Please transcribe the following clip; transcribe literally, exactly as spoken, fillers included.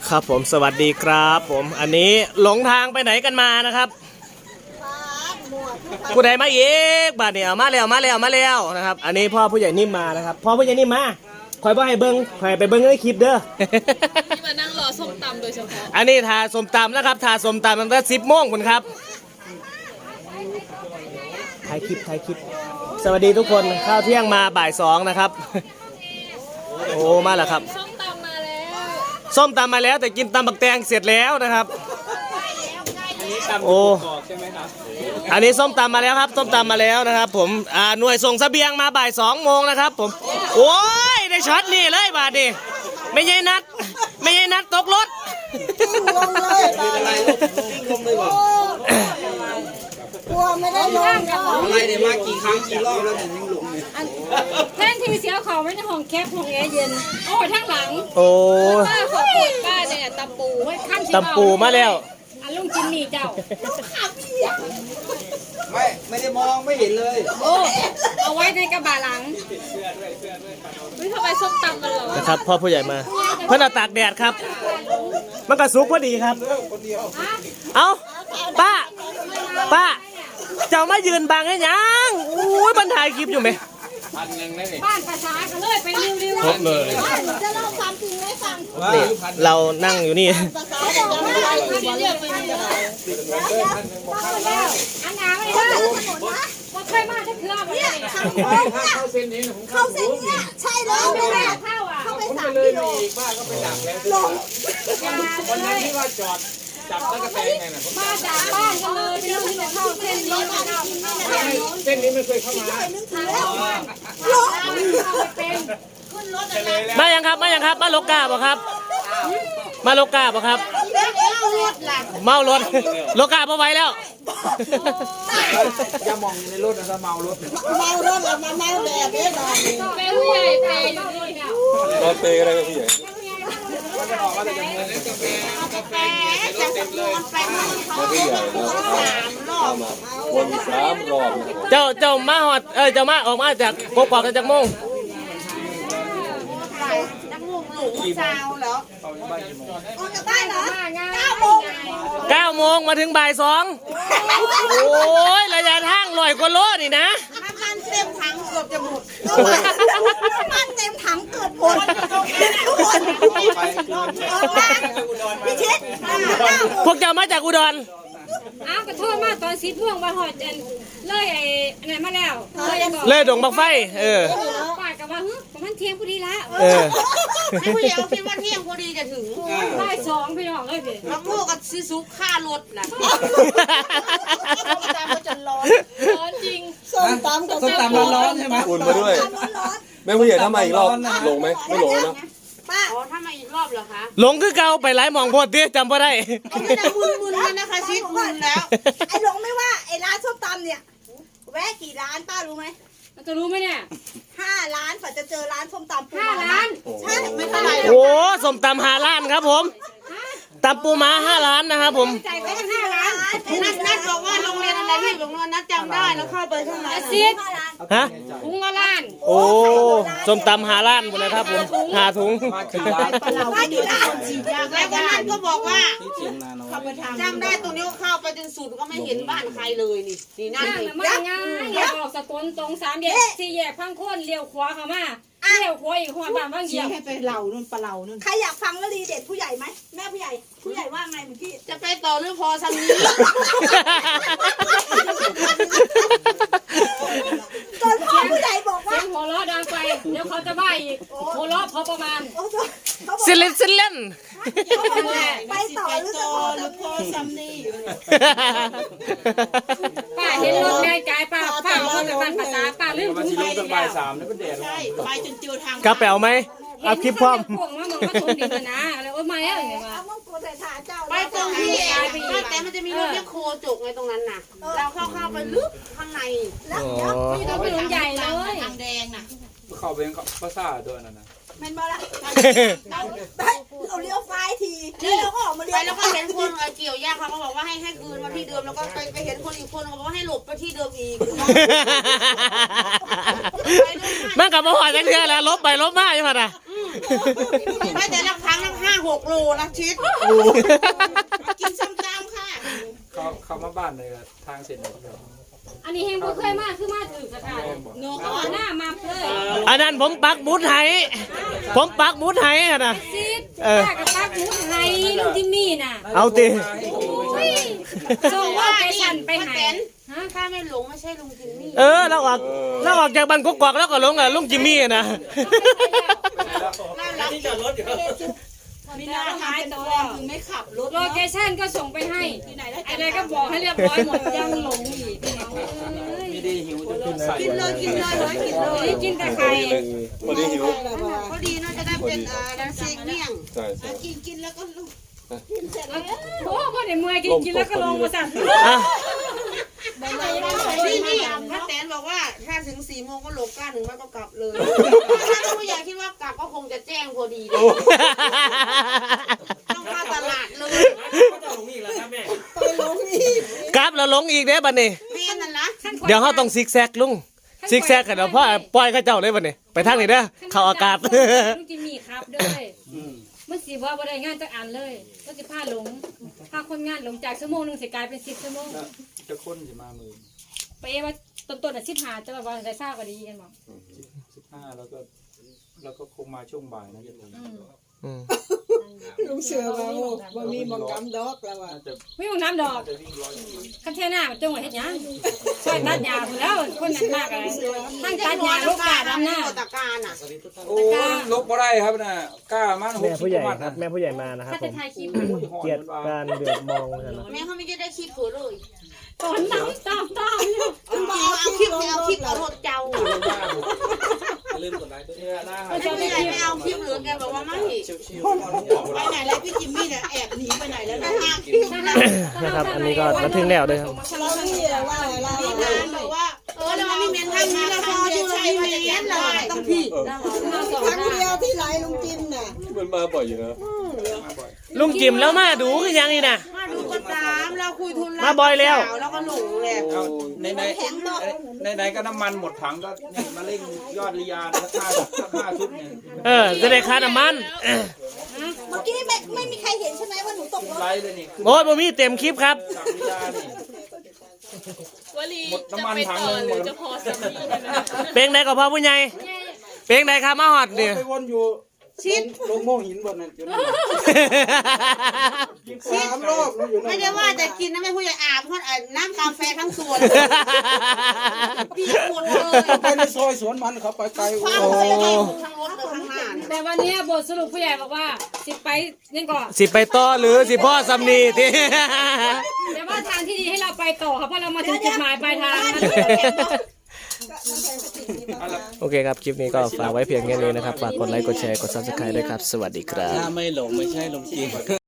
ครับผมสวัสดีครับผมอันนี้หลงทางไปไหนกันมานะครับผู้ใดมาอีกบาดเนี่ยมาแล้วมาแล้วมาแล้วนะครับอันนี้พ่อผู้ใหญ่นิ่มมานะครับพ่อผู้ใหญ่นิ่มมาคอยบ่ให้เบิ้งคอยไปเบิ้งในคลิปเด้อที่มานั่งรอส้มตำโดยเฉพาะอันนี้ทาส้มตำนะครับทาส้มตำตั้งแต่สิบโมงคุณครับถ่ายคลิปถ่ายคลิปสวัสดีทุกคนข้าวเที่ยงมาบ่ายสองนะครับโอ้มาแล้วครับส้มตำมาแล้วส้มตำมาแล้วแต่กินตำบักแตงเสร็จแล้วนะครับโอ้อันนี้ส้มตำมาแล้วครับส้มตำมาแล้วนะครับผมอ่าหน่วยส่งเสบียงมาบ่ายสองโมงนะครับผมโอ้ยได้ช็อตนี่เลยบาดนี่ไม่ใช่นัดไม่ใช่นัดตกรถกลัวไม่ได้ลงอะไรเดี๋ยวมากี่ครั้งกี่รอบแล้วถึงยังหลงเนี่ยแทนทีเสียเขาไม่ในห้องแคบห้องแอร์เย็นโอ้ทั้งหลังโอ้ป้าขอบคุณป้าเนี่ยตำปูขั้นที่ตำปูมาแล้วอันลุงจิมมี่เจ้าไม่ไม่ได้มองไม่เห็นเลยโอ้เอาไว้ในกระบะหลังวิทำไมส้มตำมันเหรอนะครับพ่อผู้ใหญ่มาเพื่อนเอาตากแดดครับมันก็สุกพอดีครับเอาป้าป้าเจ้ามายืนบังให้ยังอุ้ยบรรทายคลิปอยู่ไหมบ้านภาษากันเลยไปเร็วๆครบเลยจะเล่าความจริงให้ฟังเรานั่งอยู่นี่อันน้ำไม่ได้ว่าเคยมาจะเคลื่อนเนี่ยเข้าเส้นนี้เข้าเส้นนี้ใช่แล้วไม่เข้าอ่ะเข้าไปสามกิโลบ้านก็ไปดักแล้วลงวันนั้นที่ว่าจอดจับตะกะแตงไงนะมาจากบ้านกันเลยไปเรื่องที่เข้าเส้นนี้มาเข้าเส้นนี้ไม่เคยเข้ามามายังครับมายังครับมาโลกาบ่ครับมาโลกาบ่ครับเมารถโลกาบ่ไหวแล้วอย่ามองในรถนะถ้าเมารถเมารถแล้วมาเมาแบบนี้ตอนนี้เปย์ผู้ใหญ่เปย์อยู่นี่เนี่ยรถเปย์อะไรผู้ใหญ่วนสามรอบเจ้าเจ้ามาหอดเออเจ้ามาออกมาจากกกอกจากโมงนักมุกหลุมเช้าเหรอออกจากบ้านเหรอเก้าโมงเก้าโมงมาถึงบ่ายสองโอ้ยระยะทางลอยกว่าโลนี่นะน้ำมันเต็มถังเกือบจะหมดน้ำมันเต็มถังเกือบหมดพี่ชิดพวกเจ้ามาจากอุดรอ้าวกระโทษมาตอนสิบโมงมาหอดเจนเลยไอ้ไหนมาแล้วเลยดงบักไฟเออป้ากับว่าฮึมันเที่ยงพอดีละเออให้ผู้ใหญ่คิดว่าเที่ยงพอดีจะถึงบ่ายสองพี่น้องเลยพี่มาพูดกับซีซุกค่ารถน่ะส้มตำก็จะร้อนร้อนจริงส้มตำก็ส้มตำร้อนๆใช่ไหมอุ่นมาด้วยแม่ผู้ใหญ่ทำไมอีกรอบลงไหมไม่ลงนะป้าอ๋อถ้ามาอีกรอบเหรอคะหลงคือเก่าไปหลายมองพอดีจำบ่ได้ไม่ได้มึนๆแล้วนะคะชิดมึนแล้วไอ้หลงไม่ว่าไอ้ร้านส้มตำเนี่ยแวะกี่ร้านป้ารู้ไหมมันจะรู้ไหมเนี่ยห้าร้านกว่าจะเจอร้านส้มตำห้าร้านใช่ไม่เท่าไหร่โอ้ส้มตำห้าร้านครับผมตำปูม้าห้าล้านนะครับผมจ่ายไปตั้งห้าล้านนัดนัดบอกว่าโรงเรียนอะไรที่โรงเรียนนัดจำได้แล้วเข้าไปข้างในซิดฮะถุงละล้านโอ้ส้มตำห้าล้านหมดเลยครับผมห้าถุงมากี่ร้านแล้ววันนั้นก็บอกว่าจำได้ตรงนี้เข้าไปจนสุดก็ไม่เห็นบ้านใครเลยนี่นี่นั่นเองมาง่ายเลี้ยวออกสกลตรงสามแยกสี่แยกพังโค่นเลี้ยวขวาเข้ามาเลี้ยวขวาอีกหัวบ้านบางเดียวให้ไปเหล่านู่นปลาเหล่านู่นใครอยากฟังวลีเด็ดผู้ใหญ่ไหมแม่ผู้ใหญ่ผู้ใหญ่ว่าไงเมื่อกี้จะไปต่อหรือพอสังนี้ตอนพ่อผู้ใหญ่บอกว่าหัวเราะดังไปเดี๋ยวเขาจะบ้าอีกหัวเราะพอประมาณสิเล่นสิเล่นไปต่อหรือพอสังนี้ป้าเห็นรถแม่กายป้าป้าเอาจากบ้านภาษาป้าลืมถุงไปตั้งบ่ายสามแล้วก็แดดไปจนเจอทางกระเป๋าไหมเอาคลิปพร้อมพวกมันมันก็ถุงดินนะอะไรโอ้ไม่อะไรเงี้ยมาไปตรงที่แต่มันจะมีรถเลี้ยโคจกไงตรงนั้นน่ะเราเข้าเข้าไปลึกข้างในแล้วนี่เราไปถุงใหญ่เลยทางแดงน่ะเข้าไปภาษาตัวนั้นนะแม่นบ่ล่ะเราเลี้ยวซ้ายทีแล้วเราก็ออกมาเลี้ยวไปแล้วก็เห็นคนเกี่ยวหญ้าเขาก็บอกว่าให้ให้คืนมาที่เดิมแล้วก็ไปไปเห็นคนอีกคนเขาบอกว่าให้หลบไปที่เดิมอีกมันกับมาหอยจังเทื่อแล้วลบไปลบมาอยู่ป่ะนะไม่แต่ละครั้งละห้าหกโลนะชิดกินส้มตำค่ะเขาเขามาบ้านเลยอะทางเสร็จแล้วอันนี้เฮงบ่เคยมาคือมาถึงสถานเนาะเอาหน้ามาเลยอันนั้นผมปักหมุดให้ผมปักหมุดให้อะนะซิดเออป้ากับป้าหมุดให้ลุงจิมมี่น่ะเอาติส่งว่าไปสั่นไปหาฮะถ้าไม่หลงไม่ใช่ลุงจิมมี่เออเราออกเราออกจากบ้านกกอกแล้วก็ลงกับลุงจิมมี่อะนะที่จอดรถอยู่มีนาหายตัวถึงไม่ขับรถโลเคชั่นก็ส่งไปให้อะไรก็บอกให้เรียบร้อยหมดยังหลงอีกพี่น้องเอ้ยไม่ได้หิวจนขึ้นใส่กินเลยกินเลยเลยกินเลยนี่กินแต่ไข่พอดีหิวพอดีน่าจะได้เป็นอ่าดันเซ็งเมี่ยงใช่ใช่กินกินแล้วก็ลุกโอ้พ่อเดี๋ยวเมื่อยกินกินแล้วก็ลงมาสั่นอ่ะนี่นี่พระแตนบอกว่าถ้าถึงสี่โมงก็หลบก้าหนึ่งมันก็กลับเลยถ้าผู้ใหญ่คิดว่ากลับก็คงจะแจ้งพอดีเลยต้องเข้าตลาดเลยก็จะหลงอีกแล้วครับแม่กราฟเราลงอีกเด้บัดนี้แม่นั่นนะเดี๋ยวเขาต้องซิกแซกลุงซิกแซกกันเดี๋ยวพ่อปล่อยเขาเจ้าเลยบัดนี้ไปทางนี้เด้อเข้าอากาศลุงจิมมี่ครับด้วยเมื่อสิว่าบ่ได้งานจักอันเลยก็สิพาหลงพาคนงานหลงจากชั่วโมงนึงสิกลายเป็นสิบชั่วโมงจะค้นจะมามือไปเอว่าต้นๆอ่ะสิบห้าจะแบบว่าได้ทราบก็ดีกันบ่สิบห้าแล้วก็แล้วก็คงมาช่วงบ่ายนะจะถึงอืมอืมลุงเสือว่าบ่มีหมองกำดอกแล้วว่าน่าจะไม่ต้องน้ำดอกจะวิ่งร้อยคันเทน่ามันจงไว้เฮ็ดหยังช่วยตัดหญ้าพุ่นแล้วคนนั้นมากอะไรทั้งตัดหญ้าลูกกาดำหน้าตะการอ่ะโอ้ลบบ่ได้ครับนะกล้ามันหกแม่สิบผู้ใหญ่วัตครับแม่ผู้ใหญ่มานะครับถ้าผจะมถ่ายคลิปเกลียดการเดือดมองนะแม่เขาไม่ได้คลิปเผือเลยตอนน้ำตามตามอยู่เอาเอาคลิปเอาคลิปเอารถเจ้าลืมกดไลค์ตัวนี้นะครัไม่ใช่ไม่เอาคลิปเหลือแกบอกว่าไม่ไปไหนแล้วพี่จิมมี่เนี่ยแอบหนีไปไหนแล้วไปนะหาคลิปนะนะครับ อันนี้ก็มาถึงแล้วเลยครับเราที่ว่าเราพี่นานบอกว่าเออเราไม่เมียนทางนี้เราพออยู่เราไม่เมียนเลยต้องพี่ครั้งเดียวที่ไหลลุงจิมน่ะมันมาบ่อยอยู่นะลุงจิมแล้วมาดูคือยังนี่นะมาดูก็ตามเราคุยทุนมาบ่อยแล้วแล้วก็หลงเลยเอาในในในในก็น้ำมันหมดถังก็นี่มาเร่งยอดริยาสักห้าสักห้าชุดเนี่ยเออจะได้ค่าน้ำมันเออเมื่อกี้ไม่ไม่มีใครเห็นใช่ไหมว่าหนูตกรถไลค์เลยนี่คือโอ้ยบ่มีเต็มคลิปครับสักริยานี่วลีหมดจะน้ำมันไปถังต่อหนึ่งหหมรือดจะพอสามีกันนะเพลงใดก็พอผู้ใหญ่เพลงใดครับมาฮอดเนี่ยไปวนอยู่ชิดลงโม่หินบนนั้นอยู่นั่นสามรอบอยู่นั่นไม่ได้ว่าจะกินนะแม่ผู้ใหญ่อาบเพราะน้ำกาแฟทั้งสวนพี่ปวดเลยไปในซอยสวนมันเขาไปไกลคโอ้ว้าใส่ทั้งรถเลยทั้งหน้าแต่วันนี้บทสรุปผู้ใหญ่บอกว่าสิไปนี่ก่อนสิไปต่อหรือสิพ่อสำนีที่แต่ว่าทางที่ดีให้เราไปต่อค่ะเพราะเรามาถึงจุดหมายปลายทางนั้นโอเคครับ คลิปนี้ก็ฝากไว้เพียงแค่นี้นะครับ ฝากกดไลค์ กดแชร์ กด ซับสไครบ์ด้วยครับ สวัสดีครับถ้าไม่หลงไม่ใช่หลงจริง